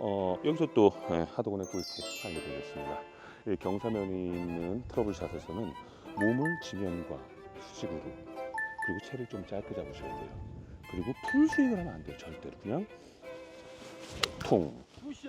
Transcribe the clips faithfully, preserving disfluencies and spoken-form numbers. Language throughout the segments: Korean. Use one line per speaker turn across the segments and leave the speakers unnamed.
어, 여기서 또 예, 하도건의 꿀팁 알려드리겠습니다. 이 경사면이 있는 트러블샷에서는 몸을 지면과 수직으로 그리고 채를 좀 짧게 잡으셔야 돼요. 그리고 풀 스윙을 하면 안 돼요. 절대로 그냥 통.
푸샷.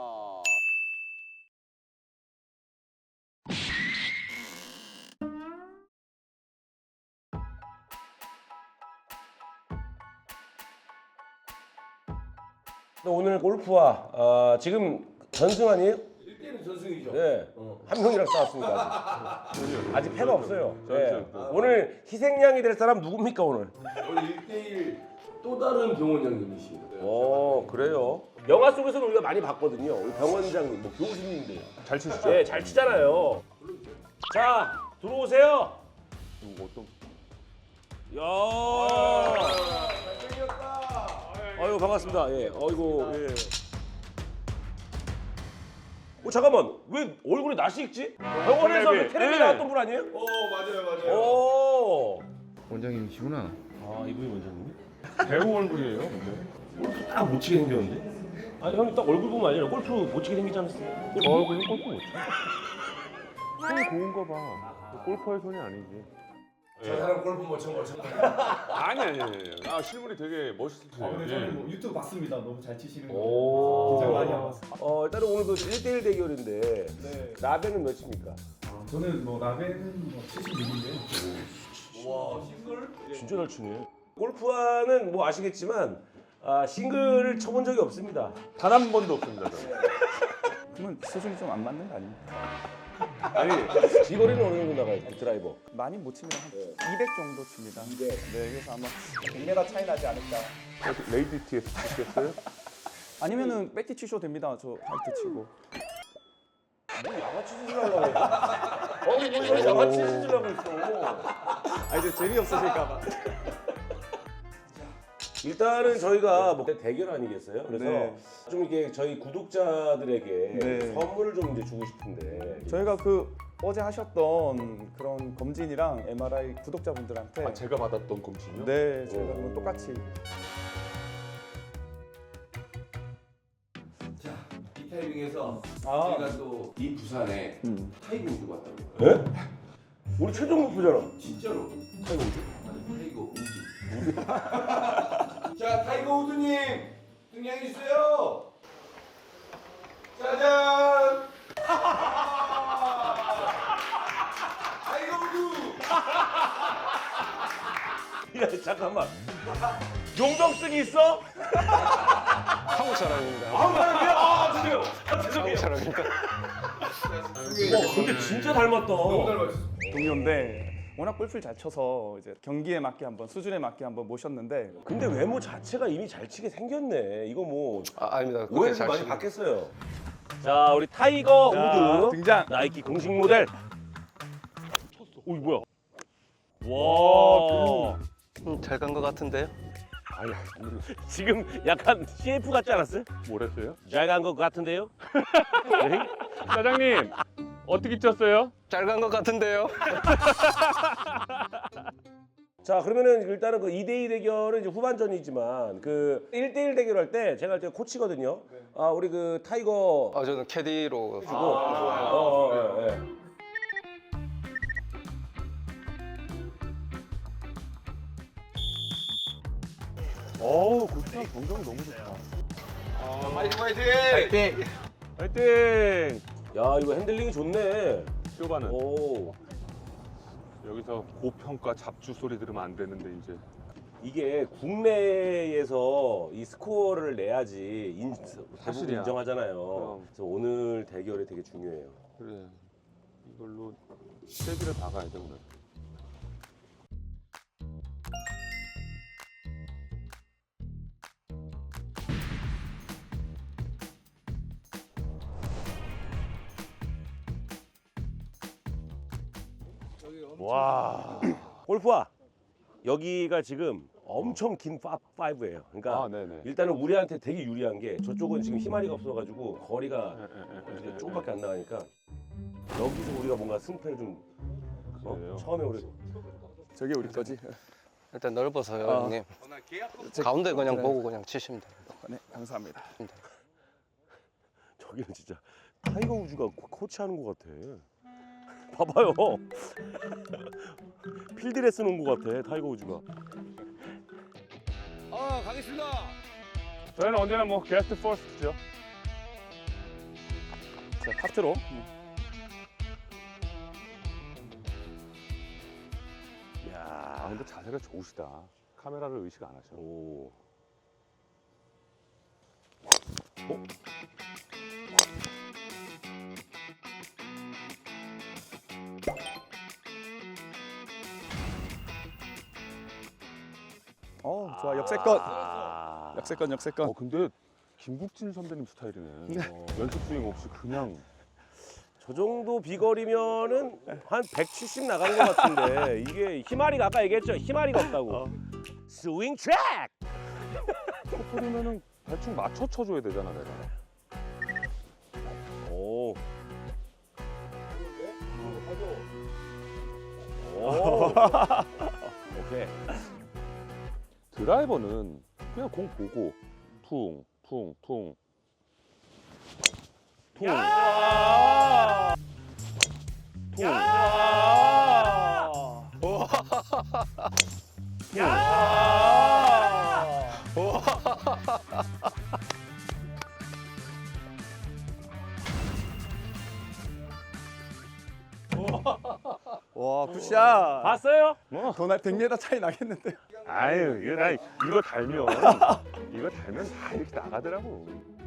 오늘 골프와 어, 지금 전승 아니에요?
일 대는 전승이죠.
네.
어.
한 명이랑 싸웠습니다. 아직. 아직 패가 없어요. 네.
전승.
오늘 희생양이 될 사람 누굽니까 오늘?
오늘 일 대일 또 다른 병원장님이십니다.
오 그래요? 영화 속에서는 우리가 많이 봤거든요. 우리 병원장님, 뭐 교수님들.
잘 치시죠?
네, 잘 치잖아요. 자, 들어오세요.
이거 어떤?
야.
잘생겼다.
아유 반갑습니다. 예. 어이구. 예. 어 잠깐만. 왜 얼굴에 낯이 익지? 병원에서
텔레비.
그 텔레비
네.
나왔던 분 아니에요?
오 맞아요 맞아요.
오.
원장님이시구나.
아 이분이 원장님이?
배우 얼굴이에요. 근데.
딱 못 치게 생겼는데? 아니 형님 딱 얼굴 보면 알잖아. 골프 못 치게 생기지 않았어요?
저 얼굴은 골프 못 쳐. 손이 고운가 봐. 골퍼의 손이 아니지.
저 사람 골프 못 친 거죠.
아니 아니 아니. 아 실물이 되게 멋있으세요.
아, 근데
예.
저는 뭐 유튜브 봤습니다. 너무 잘 치시는 거.
오.
긴장 많이 하고 왔어요.
어 일단은 오늘 그 일 대일 대결인데
네.
라벤은 몇 칩니까?
아, 저는 뭐 라벤은 뭐 칠십육인데요.
와 싱글?
진짜 잘 치네. 골프화는 뭐 아시겠지만 아, 싱글을 쳐본 적이 없습니다.
단 한 번도 없습니다. 저는.
그러면 수준이 좀 안 맞는 거 아닙니까?
아니 이 거리는 어느 정도 나가요? 그 드라이버.
많이 못 칩니다. 한 이백 정도 칩니다.
이백.
네, 그래서 아마 백 미터 차이 나지 않을까.
어떻게 레이디 티에서 치겠어요?
아니면은 백티 치셔도 됩니다. 저 화이트 치고.
뭐 양아치 수술하려고 그래. 어이 뭐 이거 양아치 수술하고 있어.
아 이제 재미없으실까 봐.
일단은 저희가 뭐 대결 아니겠어요? 그래서
네.
좀 이렇게 저희 구독자들에게
네.
선물을 좀 이제 주고 싶은데
저희가 그 어제 하셨던 그런 검진이랑 엠알아이 구독자분들한테
아 제가 받았던 검진이요?
네, 저희가
오.
그럼 똑같이
자, 이 타이밍에서
아.
제가 또 이 부산에
음.
타이거 우즈 왔다고요.
예? 우리 최종 목표잖아.
진짜로.
타이거 우즈?
아니 타이거 우즈. 자 타이거 우즈님 등장해 주세요. 짜잔. 타이거 우즈.
야 잠깐만. 용병증이 있어?
한국 사람입니다.
아우 사람이야? 아 죄송해요. 아
한국
죄송해요.
사람입니다.
와 근데 진짜 닮았다.
너무 닮았어.
동료인데 워낙 골프를 잘 쳐서 이제 경기에 맞게 한번 수준에 맞게 한번 모셨는데
근데 외모 자체가 이미 잘 치게 생겼네. 이거 뭐
아, 아닙니다. 그렇게
오해를
잘
많이
치는-
받겠어요. 자 우리 타이거
자,
우드
등장.
나이키 공식 모델. 오 이거 뭐야? 와.
음, 잘 간 것 같은데요?
아니 아니
지금 약간 씨에프 같지 않았어요?
뭐랬어요?
잘 간 것 같은데요?
사장님 어떻게 쳤어요?
잘 간 것 같은데요?
자 그러면은 일단은 그 이 대 이 대결은 이제 후반전이지만 그 일 대 일 대결할 때 제가 할 때 코치거든요. 아 우리 그 타이거
아, 저는 캐디로
주고 어, 어, 예, 예.
어우 골프장 정정이 너무 좋다.
파이팅 파이팅.
화이팅!
야 이거 핸들링이 좋네.
쇼바는
오
여기서 고평가 잡주 소리 들으면 안 되는데 이제
이게 국내에서 이 스코어를 내야지 인, 대부분
사실이야.
인정하잖아요.
그럼.
그래서 오늘 대결이 되게 중요해요.
그래 이걸로 세기를 박아야 돼 오늘.
와 골프와 여기가 지금 엄청 긴 파이브예요. 그러니까
아 네네.
일단은 우리한테 되게 유리한 게 저쪽은 지금 희마리가 없어가지고 거리가
예, 예, 예, 예,
이제
예.
조금밖에 안 나가니까 여기서 우리가 뭔가 승패를 좀 어,
그래요?
처음에 우리
저게 우리 거지.
일단 넓어서요,
아.
형님.
제-
가운데 그냥
그래.
보고 그냥 치시면 됩니다.
네, 감사합니다.
여기는 진짜 타이거 우즈가 코- 코치하는 것 같아. 봐봐요. 필드레스 놓은 것 같아 타이거 우즈가.
아 가겠습니다.
저희는 언제나 뭐 게스트 퍼스트죠.
자, 파트로.
아
야,
근데 자세가 좋으시다. 카메라를 의식 안 하셔.
오.
어, 좋아. 역세권.
아.
역세권, 역세권.
어 근데 김국진 선배님 스타일이네. 어, 연습 스윙 없이 그냥.
저 정도 비거리면은 한 백칠십 나가는 것 같은데 이게 희마리가 아까 얘기했죠. 희마리가 없다고.
어.
스윙 트랙.
코프리면은 대충 맞춰 쳐줘야 되잖아 내가.
오. 오. 오케이.
드라이버는 그냥 공 보고 퉁, 퉁, 퉁. 퉁. 퉁.
와, 굿샷.
봤어요?
뭐.
도날 백 미터 차이 나겠는데.
아유, 이거 나 이거 달면 이거 달면 다 이렇게 나가더라고.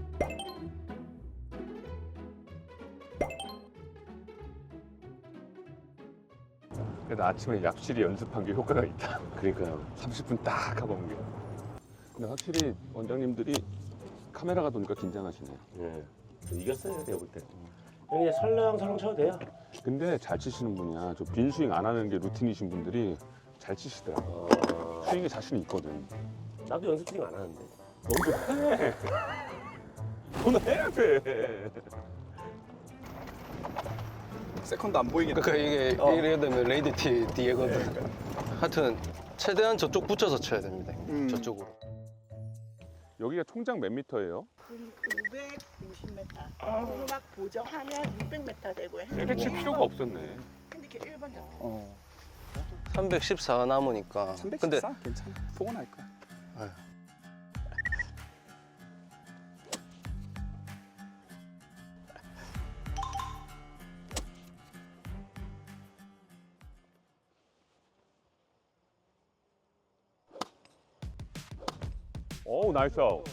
그래도 아침에 약실이 연습한 게 효과가 있다.
그러니까요.
삼십 분 딱 하고 온 게. 근데 확실히 원장님들이 카메라가 도니까 긴장하시네요.
예. 이겼어요, 내가 볼 때. 그냥 설렁설렁 쳐도 돼요.
근데 잘 치시는 분이야. 저 빈 스윙 안 하는 게 루틴이신 분들이 잘 치시더라고.
어,
스윙에 자신이 있거든.
나도 연습 스윙 안 하는데.
너도 해. 너는 해야 돼.
세컨드 안 보이겠다.
그러니까 이게
어.
이래야 되면 레이디티 뒤에거든. 하여튼 최대한 저쪽 붙여서 쳐야 됩니다.
음.
저쪽으로.
여기가 총장 몇 미터예요?
구백오십 미터. 오르막 보정하면 육백 미터 되고요.
이렇게 칠 필요가 없었네.
근데 이렇게 일 번 잡고.
어.
삼백십사 남으니까. 근데
삼백십사? 괜찮아. 포근할 거야.
오, 나이스 아웃.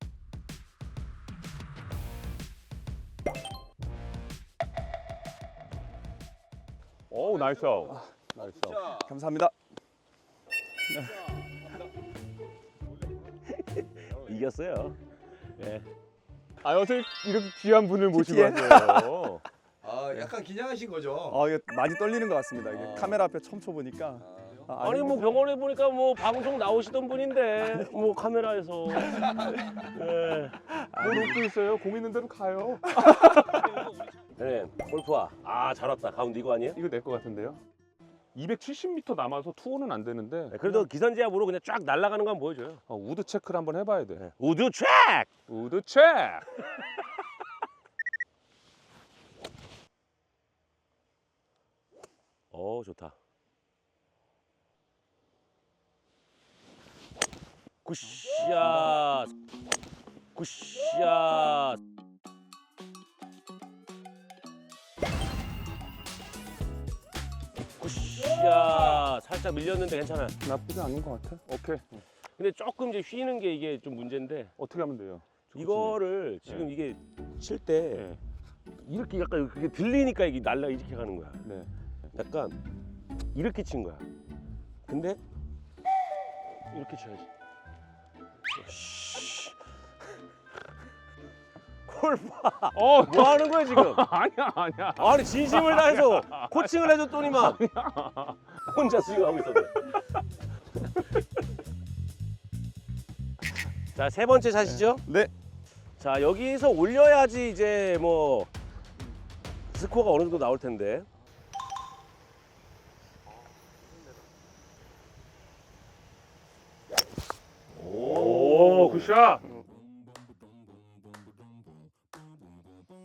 오, 나이스 아웃. 나이스 아웃.
감사합니다.
이겼어요. 예.
아, 어떻게 이렇게 귀한 분을 모시고
티티엘?
왔어요.
아 약간 긴장하신 거죠?
어, 이게 많이 떨리는 것 같습니다. 이게
아.
카메라 앞에 처음 쳐보니까. 아,
아니 뭐 병원에 보니까 뭐 방송 나오시던 분인데 뭐 카메라에서. 예.
뭐 롯도 있어요. 공 있는 대로 가요.
네, 골프와 아 잘 왔다. 가운데 이거 아니에요?
이거 내 거 같은데요? 이백칠십 미터 남아서 투혼은 안 되는데
네, 그래도 기선제압으로 그냥 쫙 날아가는 거 한번 보여줘요.
어, 우드 체크를 한번 해봐야 돼.
네. 우드 트랙!
우드 체크!
어 좋다. 굿샷. 굿샷. 굿샷. 살짝 밀렸는데 괜찮아.
나쁘지 않은 것 같아. 오케이.
근데 조금 이제 휘는 게 이게 좀 문제인데
어떻게 하면 돼요?
이거를 지금
네.
이게 칠 때
네.
이렇게 약간 그게 들리니까 이게 날라 이렇게 가는 거야.
네.
약간 이렇게 친 거야. 근데 이렇게 쳐야지. 씨. 골파.
어,
뭐 하는 거야 지금?
아니야, 아니야.
아니 진심을 다해서 코칭을 해줬더니만 혼자 스윙하고 있었네. 자, 세 번째 샷이죠?
네.
자, 여기서 올려야지 이제 뭐 스코어가 어느 정도 나올 텐데.
오, 굿샷.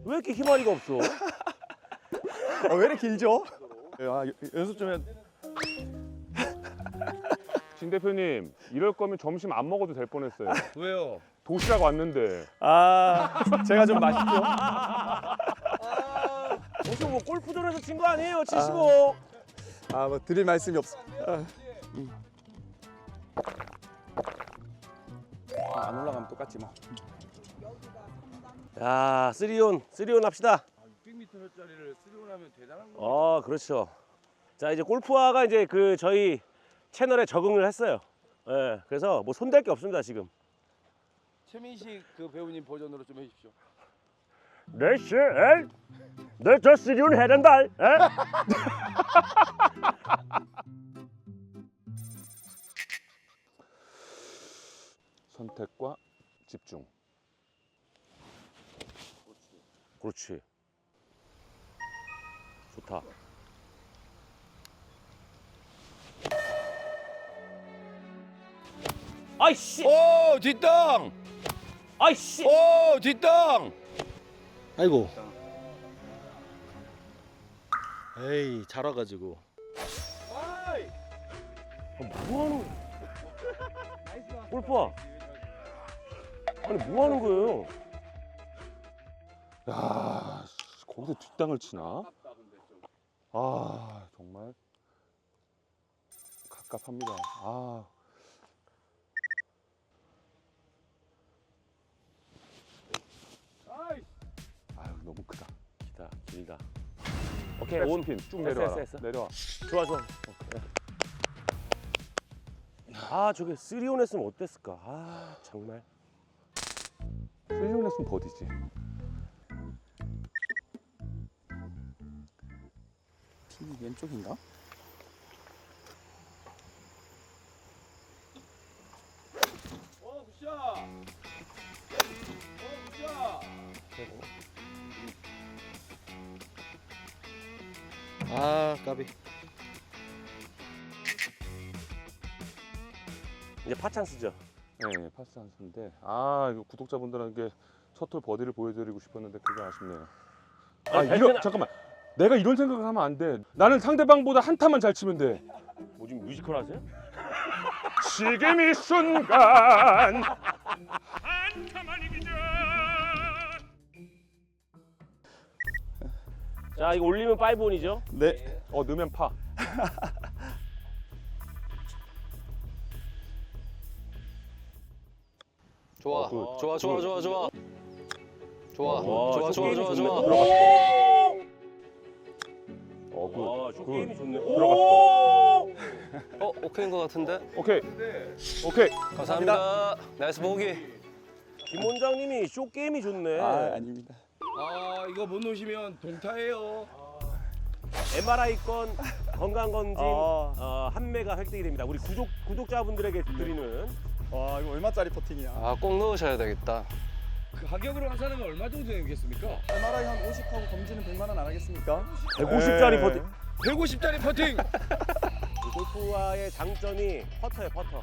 왜 이렇게 희마리가 없어?
어, 왜 이렇게 길죠? 아, 연습 좀 해.
진 대표님 이럴 거면 점심 안 먹어도 될 뻔했어요.
왜요?
도시락 왔는데.
아, 제가 좀 맛있죠?
무슨 뭐 골프전에서 진 거 아니에요? 칠십오.
아, 뭐 드릴 말씀이 없어. 아, 안 올라가면 똑같지 뭐.
야, 쓰리온, 쓰리온 합시다.
육백 미터짜리를 쓰리온 하면 대단한 거.
어, 그렇죠. 자, 이제 골프화가 이제 그 저희 채널에 적응을 했어요. 예, 그래서 뭐 손댈 게 없습니다 지금.
최민식 그 배우님 버전으로 좀 해주십시오.
네, 씨, 에? 네, 저 쓰리온 해야 된다. 에?
선택과 집중.
그렇지. 좋다. 아이씨,
오 뒷땅!
아이씨.
오 뒷땅!
아이고. 에이, 잘 와가지고.
뭐 하는 거야? 골프화. 아니 뭐 하는 거예요?
야, 씨, 거기서 뒷땅을 치나? 아, 정말 갑갑합니다. 아. 아유, 너무 크다.
기다, 길다. 오케이,
온
온.
핀 쭉
했어,
내려와.
했어, 했어.
내려와.
좋아, 좋아. 아, 저게 쓰리온 했으면 어땠을까? 아, 정말.
쓰리온 했으면 버디지.
핀이 왼쪽인가?
어 굿샷! 어 굿샷!
아, 까비.
이제 파찬스죠.
네, 파스 한수인데 아, 이거 구독자분들에게 첫 홀 버디를 보여드리고 싶었는데 그게 아쉽네요. 아,
아니,
이런
발끈-
잠깐만. 내가 이런 생각을 하면 안 돼. 나는 상대방보다 한 타만 잘 치면 돼.
뭐 지금 뮤지컬 하세요?
지금 이 순간.
자, 이거 올리면 파이브온이죠?
네.
어, 넣으면 파.
좋아.
어, 굿.
좋아, 좋아, 좋아, 좋아. 좋아,
와,
좋아, 좋아,
쇼게임이
좋아,
좋네.
좋아.
어, 굿.
와, 쇼게임이
굿.
좋네.
들어갔어.
어, 오케이인 것 같은데?
오케이. 오케이.
감사합니다. 나이스 보기.
김 원장님이 쇼게임이 좋네.
아, 아닙니다.
아 이거 못 놓으시면 동타예요.
엠알아이건 건강검진
아.
어, 한 매가 획득이 됩니다. 우리 구독, 구독자분들에게 드리는
와, 이거 얼마짜리 퍼팅이야?
아, 꼭 넣으셔야 되겠다.
그 가격으로 환산하면 얼마 정도 되겠습니까?
엠알아이 한 오십 하고 검진은 백만 원 안 하겠습니까?
백오십짜리
네.
퍼팅.
백오십짜리 퍼팅!
이 골프화의 장점이 퍼터예요, 퍼터.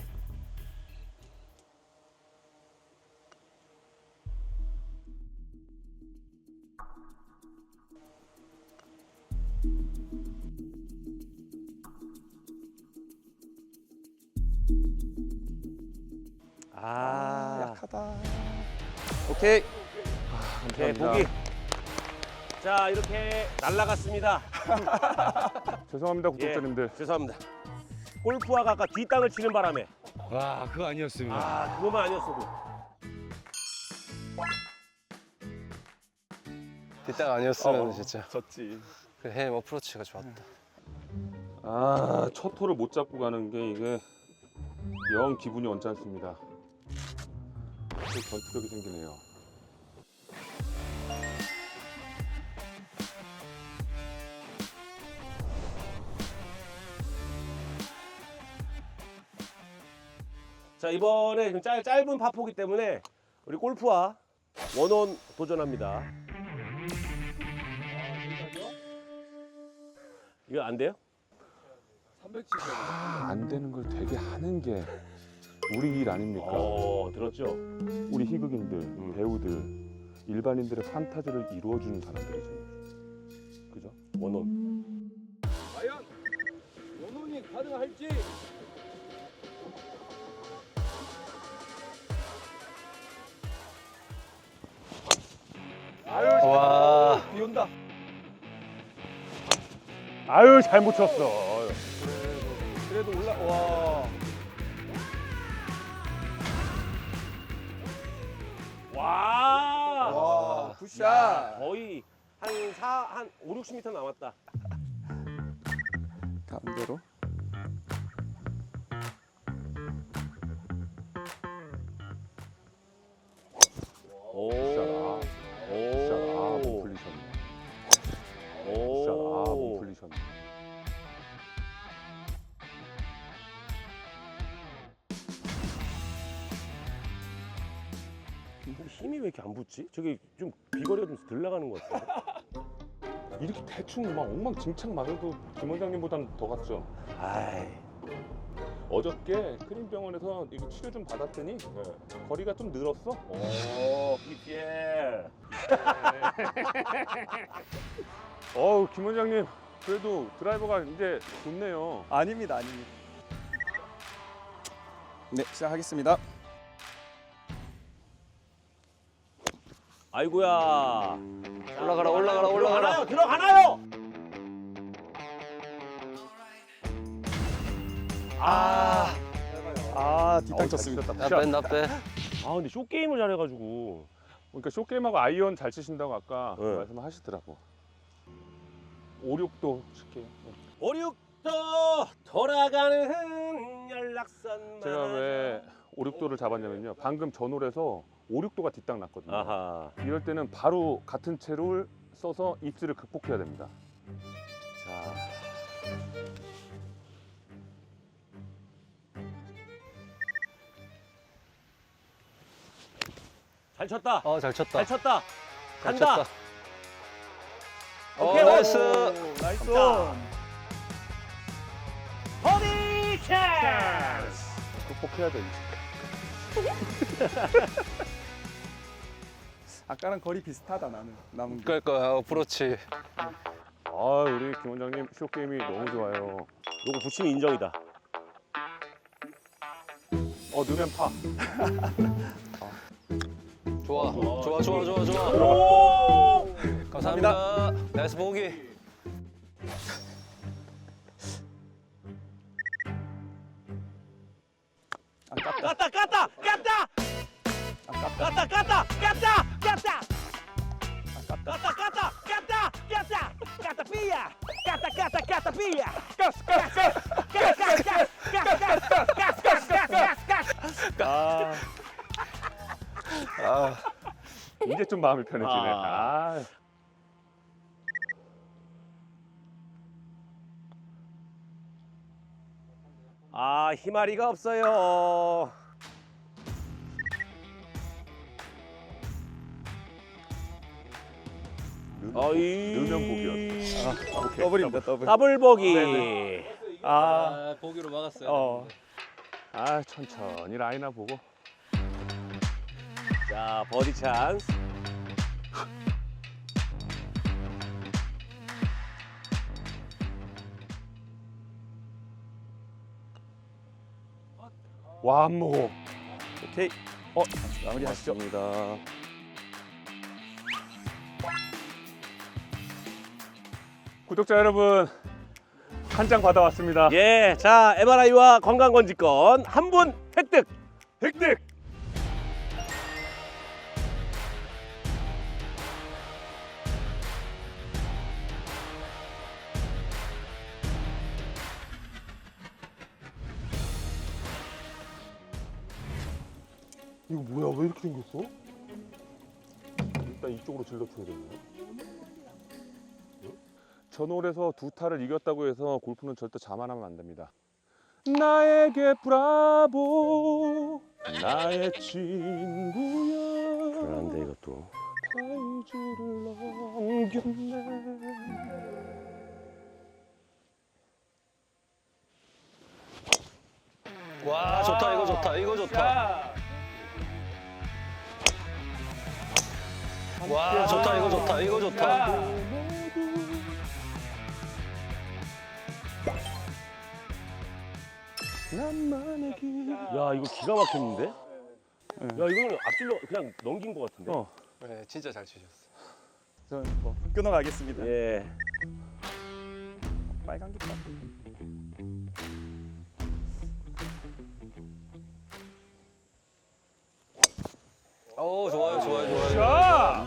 아,
약하다. 오케이.
오케이,
감사합니다.
보기. 자, 이렇게 날라갔습니다.
죄송합니다, 구독자님들.
예, 죄송합니다. 골프화가 아까 뒷땅을 치는 바람에
와 그거 아니었습니다.
아, 그것만 아니었어도
뒷땅 아니었으면 진짜
졌지.
그 헤임 어프로치가 좋았다.
아, 첫 홀을 못 잡고 가는 게 이게 영 기분이 언짢습니다. 또 전투력이 생기네요.
자, 이번에 좀 짧, 짧은 파포기 때문에 우리 골프화 원온 도전합니다. 이거 안 돼요?
삼백칠십.
아, 안 되는 걸 되게 하는 게 우리 일 아닙니까?
어, 들었죠?
우리 희극인들, 배우들 일반인들의 판타지를 이루어주는 사람들이죠. 그죠?
원혼.
과연 원혼이 가능할지.
와.
비 온다.
아유 잘 못 쳤어.
그래도 올라. 와.
와.
와. 굿샷.
거의 한 사, 한 오, 육십 미터 남았다.
가운데로.
오.
굿샷. 굿샷. 아, 못
오.
풀리셨네.
오.
굿샷. 아, 못 풀리셨네.
힘이 왜 이렇게 안 붙지? 저기 좀 비거리가 좀 덜 나가는 것 같아.
이렇게 대충 막 엉망진창 맞아도 김 원장님보단 더 갔죠.
아이.
어저께 크림병원에서 이거 치료 좀 받았더니 거리가 좀 늘었어.
오, 비피엘.
어우 김 원장님 그래도 드라이버가 이제 좋네요.
아닙니다, 아닙니다. 네, 시작하겠습니다.
아이고야.
올라가라, 올라가라, 올라가라.
들어가나요? 들어가나요?
아.
아, 뒷땅
어우, 잘
쳤습니다.
치셨다.
나 빼, 나 빼.
아 근데 쇼 게임을 잘해가지고.
그러니까 쇼게임하고 아이언 잘 치신다고 아까
네.
말씀하시더라고. 오륙도 칠게요. 네.
오륙도 돌아가는 연락선.
제가 왜 오륙도를 잡았냐면요. 방금 전홀에서 오륙도가 뒷땅 났거든요.
아하.
이럴 때는 바로 같은 채를 써서 입지를 극복해야 됩니다.
자. 잘 쳤다.
어, 잘 쳤다.
잘 쳤다.
잘
간다.
쳤다.
오케이,
어, 나이스.
오, 나이스.
자. 버디 찬스.
극복해야 돼.
아까랑 거리 비슷하다 나는. 남은 게.
그러니까 어프로치.
아 우리 김 원장님 쇼게임이 너무 좋아요.
요거 붙이면 인정이다.
어 넣으면 파.
좋아. 좋아, 좋아, 좋아, 좋아.
오!
감사합니다. 나이스 보기.
아깝다.
깠다 깠다 깠다
아깝다.
깠다 깠다 깠다 깠다
아깝다.
깠다 깠다 깠다 깠다 깠다 삐야 깠다 깠다 깠다 삐야 가스 가스 가스 가스 가스 가스 가스 가스
아,
아 이제 좀 마음이 편해지네.
아.
아.
아 희마리가 없어요. 어이
넣으면 복이었어. 아, 오케이.
더블입니다, 더블.
더블 보기.
네네.
아,
아, 보기로 막았어요.
어.
아 천천히 라이나 보고.
자 버디 찬스.
완모.
오케이. 어, 마무리 하시죠.
맞습니다. 구독자 여러분 한 장 받아왔습니다.
예, 자 엠알아이와 건강검진권 한 분 획득.
획득. 이거 뭐야? 왜 이렇게 생겼어? 일단 이쪽으로 질러줘야겠네. 전홀에서 두 타를 이겼다고 해서 골프는 절대 자만하면 안 됩니다. 나에게 브라보 나의 친구야.
그런데 이것도.
파이즈를 넘겼네.
와, 좋다. 이거 좋다. 이거 좋다. 와 좋다 이거 좋다 이거 좋다.
나만의 길.
야 이거 기가 막혔는데? 야 이거는 앞질러 그냥 넘긴 것 같은데?
어,
네 진짜 잘 치셨어.
저는 뭐 끊어가겠습니다.
예.
빨간 깃발.
오 좋아요 좋아요 좋아요.
자,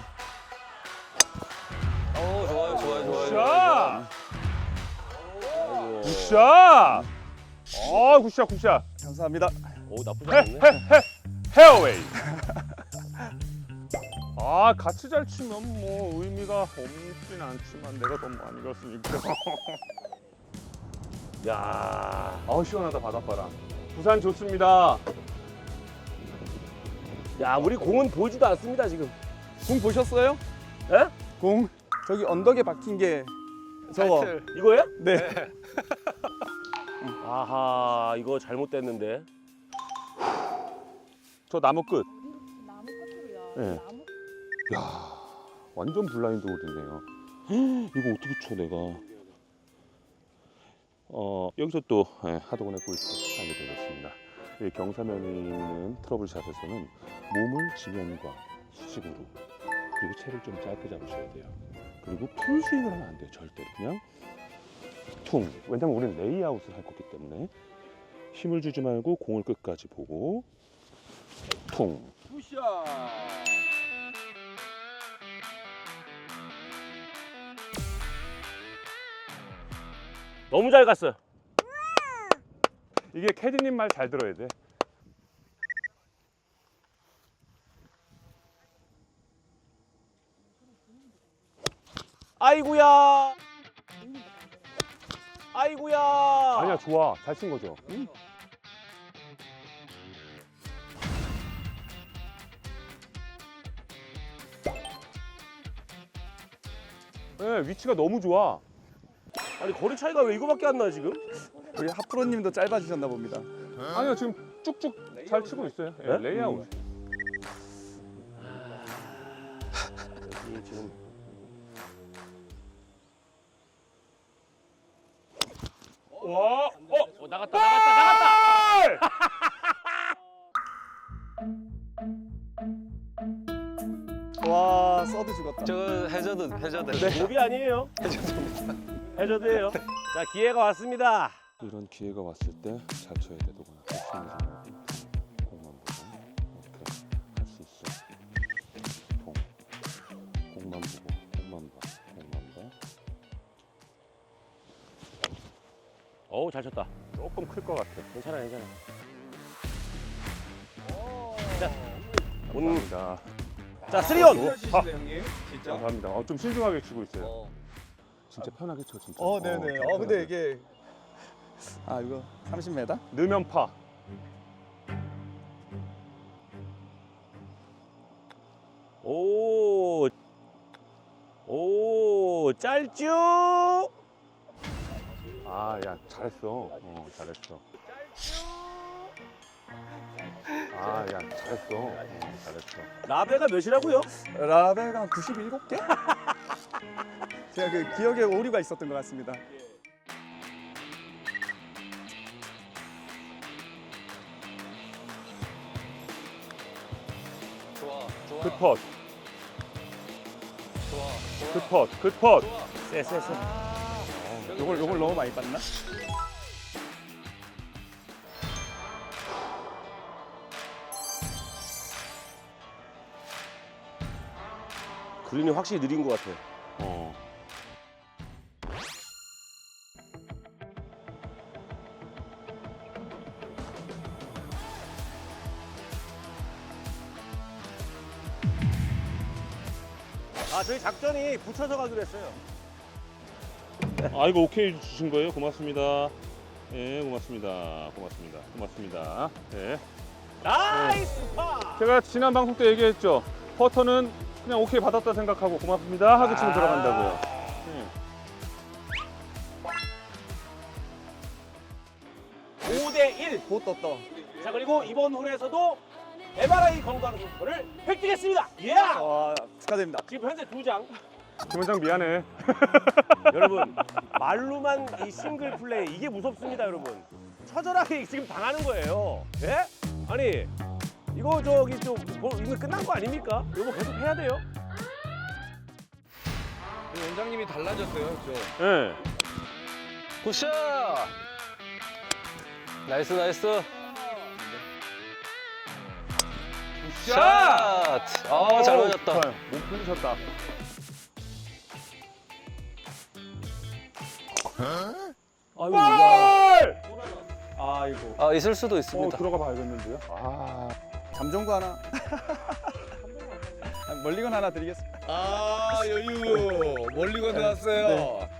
오 좋아요 좋아요 좋아요.
자, 굿샷. 어, 굿샷, 굿샷.
감사합니다.
오 나쁘지
헤,
않네.
헤, 헤, 헤어웨이. 아, 같이 잘 치면 뭐 의미가 없진 않지만 내가 더 많이 갔으니까.
야.
아우 시원하다 바닷바람. 부산 좋습니다.
야 우리 공은 보이지도 않습니다 지금.
공 보셨어요?
예?
공 저기 언덕에 박힌 게 저거.
타이틀.
이거예요?
네.
아하 이거 잘못됐는데.
저 나무 끝.
나무 끝으로요.
네.
나무
야, 완전 블라인드 홀이네요. 이거 어떻게 쳐 내가? 어 여기서 또 예, 하도건의 꿀팁 알려드리겠습니다. 이 경사면에 있는 트러블샷에서는 몸을 지면과 수직으로 그리고 채를 좀 짧게 잡으셔야 돼요. 그리고 풀 스윙을 하면 안 돼요. 절대로 그냥 퉁. 왜냐면 우리는 레이아웃을 할 거기 때문에 힘을 주지 말고 공을 끝까지 보고 퉁.
너무 잘 갔어요.
이게 캐디님 말 잘 들어야 돼.
아이구야. 아이구야.
아니야 좋아 잘 친 거죠. 응? 네, 위치가 너무 좋아.
아니 거리 차이가 왜 이거밖에 안 나 지금?
우리 하프로님도 짧아지셨나 봅니다.
아니요 지금 쭉쭉 잘 치고 있어요. 예,
네?
레이아웃.
여기 지금
와, 어,
어, 나갔다 나갔다 나갔다.
와 서드 죽었다.
저 해저드 해저드.
몹이 아니에요. 해저드예요. 자 기회가 왔습니다.
이런 기회가 왔을 때 잘 쳐야 돼. 누구나 조심히 좀 공만 보고 이렇게 할 수 있어. 통 공만 보고 공만 봐 공만 봐.
어우 잘 쳤다.
조금 클 것 같아.
괜찮아 괜찮아.
감사합니다.
자 쓰리온.
아, 감사합니다. 어, 좀 신중하게 치고 있어요.
어.
진짜 편하게 쳐 진짜.
어 네네.
좀
어 근데
편하게.
이게 아 이거 삼십 미터?
넣으면 파.
오. 오 짤쭉.
아, 야 잘했어. 어, 잘했어. 아, 야 잘했어. 어, 잘했어.
라베가 몇이라고요?
라벨가 한 구십칠 개? 제가 그 기억에 오류가 있었던 것 같습니다.
좋아 좋아
굿
좋아 좋아.
굿 굿, 굿 굿.
쎄쎄쎄.
요걸 요걸 너무 많이 봤나?
그린이 확실히 느린 것 같아.
어.
아 저희 작전이 붙여서 가기로 했어요.
아, 이거 오케이 주신 거예요? 고맙습니다. 예, 고맙습니다. 고맙습니다. 고맙습니다. 예.
나이스 파.
제가 지난 방송 때 얘기했죠. 퍼터는 그냥 오케이 받았다 생각하고 고맙습니다 하고 치면
아.
들어간다고요. 예.
오 대 일.
보 떴다.
자 그리고 이번 홀에서도 엠알아이 건강 상품권을 획득했습니다. 예!
와, 축하드립니다.
지금 현재 두 장.
김원장 미안해.
여러분 말로만 이 싱글 플레이 이게 무섭습니다, 여러분. 처절하게 지금 당하는 거예요. 예? 아니 이거 저기 좀 뭐, 이거 끝난 거 아닙니까? 이거 계속 해야 돼요.
원장님이 달라졌어요, 좀.
예.
굿샷! 나이스, 나이스. 샷! 아, 잘 맞았다.
몸 풀리셨다.
아이고, 야.
아이고,
아, 있을 수도
어,
있습니다.
들어가 봐야겠는데요. 아.
잠정구 하나. 아, 멀리건 하나 드리겠습니다.
아, 여유. 멀리 건너왔어요.